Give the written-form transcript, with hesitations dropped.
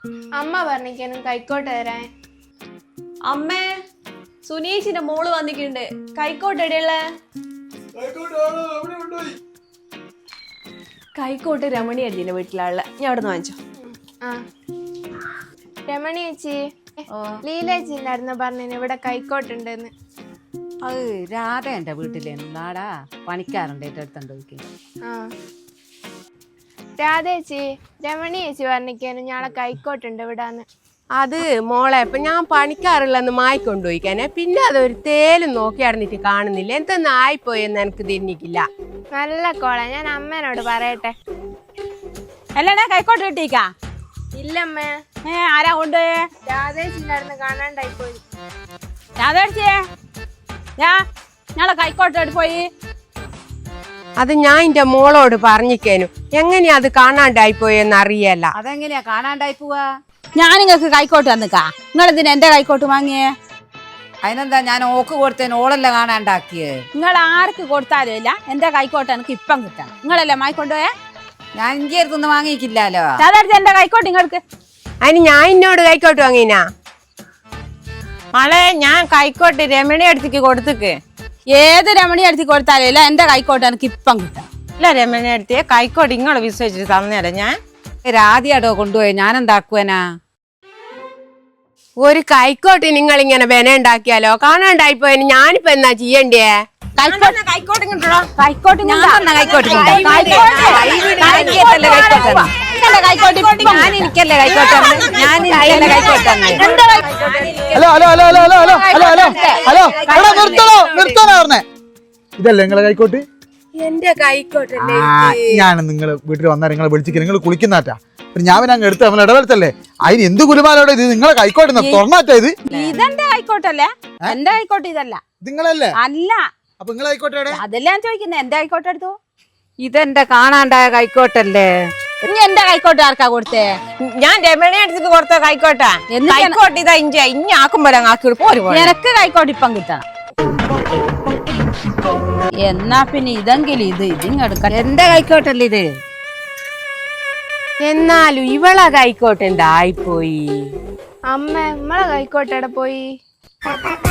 അമ്മ പറഞ്ഞിരിക്കാനും കൈക്കോട്ട് തരാൻ. അമ്മേ, സുനീഷിന്റെ മോള് വന്നിട്ടുണ്ട്. കൈക്കോട്ട് എടിയുള്ള കൈക്കോട്ട് രമണി അടിന്റെ വീട്ടിലുള്ള ഞാൻ അവിടെ നിന്ന് വാങ്ങിച്ചോ. രമണി ചേച്ചി, ലീലേച്ചി ഉണ്ടായിരുന്നു പറഞ്ഞു ഇവിടെ കൈക്കോട്ടുണ്ടെന്ന്. അത് രാധ എന്റെ വീട്ടിലേನು നാടാ പണിക്കാറുണ്ട് ഏറ്റെടുത്തോണ്ട് പോയി. രാധേച്ചി, രമണി ചേച്ചി പറഞ്ഞിരിക്കാനും ഞാളെ കൈക്കോട്ടുണ്ട് ഇവിടാന്ന്. അത് മോളെ ഇപ്പൊ ഞാൻ പണിക്കാറുള്ളന്ന് മായിക്കൊണ്ടുപോയിക്കാനെ, പിന്നെ അതൊരു തേലും നോക്കി നടന്നിട്ട് കാണുന്നില്ല. എന്തെന്ന് ആയിപ്പോയെന്ന് എനിക്ക് തിരിഞ്ഞിക്കില്ല. നല്ല കോള, ഞാൻ അമ്മേനോട് പറയട്ടെ. അല്ലേ കൈക്കോട്ട് കിട്ടിക്കാ? ഇല്ലമ്മേ. ആരാ കൊണ്ട്? രാധേച്ചിണ്ടായിരുന്നു, കാണാണ്ടായി പോയി. രാധേച്ചിയെ ഞാളെ കൈക്കോട്ട് പോയി. അത് ഞാൻ എന്റെ മോളോട് പറഞ്ഞിക്കേനു, എങ്ങനെയാ അത് കാണാണ്ടായിപ്പോയെന്ന് അറിയല്ല. അതെങ്ങനെയാ കാണാണ്ടായി പോവാ? ഞാൻ നിങ്ങൾക്ക് കൈക്കോട്ട് തന്നിക്കാ, നിങ്ങളെന്തിനാ എന്റെ കൈക്കോട്ട് വാങ്ങിയേ? അതിനെന്താ ഞാൻ ഓക്ക് കൊടുത്തേന്, ഓളല്ല കാണാണ്ടാക്കിയേ. നിങ്ങൾ ആർക്ക് കൊടുത്താലും ഇല്ല, എന്റെ കൈക്കോട്ട് എനിക്ക് ഇപ്പം കിട്ടണം. നിങ്ങളല്ലേ മായിക്കൊണ്ടുപോയേ? ഞാൻ ഇഞ്ചി അടുത്തൊന്നും വാങ്ങിക്കില്ലല്ലോ. രാധേച്ചി എന്റെ കൈക്കോട്ട് നിങ്ങൾക്ക്. അതിന് ഞാൻ എന്നോട് കൈക്കോട്ട് വാങ്ങിനാ? മളെ, ഞാൻ കൈക്കോട്ട് രമണി അടുത്തേക്ക് കൊടുത്തേക്ക്. ഏത് രമണി അടുത്ത് കൊടുത്താലും ഇല്ല, എന്റെ കൈക്കോട്ട് എനിക്ക് ഇപ്പം കിട്ടണം. ഇല്ല രമണി അടുത്തേ കൈക്കോട്ട് ഇങ്ങളെ വിശ്വസിച്ചിട്ട് തന്നേരാ. ഞാൻ രാധിയാടോ കൊണ്ടുപോയി, ഞാൻ എന്താക്കുവനാ? ഒരു കൈക്കോട്ട് നിങ്ങൾ ഇങ്ങനെ ബെന ഉണ്ടാക്കിയാലോ? കാണാണ്ടായിപ്പോയെന്ന് ഞാനിപ്പോ എന്നാ ചെയ്യണ്ടേ? കൈക്കോട്ട് കൈക്കോട്ട് ഇതല്ലേ നിങ്ങളെ കൈക്കോട്ട്? എന്റെ കൈക്കോട്ടല്ലേ ഞാൻ നിങ്ങള് വീട്ടിൽ വന്നാൽ നിങ്ങളെ വിളിച്ചിട്ട് നിങ്ങൾ കുളിക്കുന്നാറ്റാ. ഞാൻ പിന്നെ അങ്ങ് എടുത്ത് നമ്മൾ ഇടവലത്തല്ലേ, അതിന് എന്ത് കുലുമാലോടെ ഇത്? നിങ്ങളെ കൈക്കോട്ട് തുറന്നാറ്റാ ഇത്? ഇതെന്റെ കൈക്കോട്ടല്ലേ? എന്റെ കൈക്കോട്ട് ഇതല്ല. നിങ്ങളല്ലേ? അല്ല. അപ്പൊ നിങ്ങളെ കൈക്കോട്ടെ? അതല്ല ഞാൻ ചോദിക്കുന്നത്, എന്റെ കൈക്കോട്ട് എടുത്തു. ഇതെന്റെ കാണാണ്ടായ കൈക്കോട്ടല്ലേ? ഇനി എന്റെ കൈക്കോട്ട് ആർക്കാ കൊടുത്തേ? ഞാൻ രമണി അടുത്തേക്ക് കൊടുത്ത കൈക്കോട്ടാ. കൈക്കോട്ട് ഇതാ ഇനി ആക്കുമ്പോ ആക്കി പോരും. എനക്ക് കൈക്കോട്ട് ഇപ്പം കിട്ടണം. എന്നാ പിന്നെ ഇതെങ്കിലും ഇതിങ്ങെടുക്ക. എന്റെ കൈക്കോട്ടല്ലേ ഇത്? എന്നാലും ഇവളെ കൈക്കോട്ട് എന്തായിപ്പോയി? അമ്മ, നമ്മളെ കൈക്കോട്ടെടെ പോയി?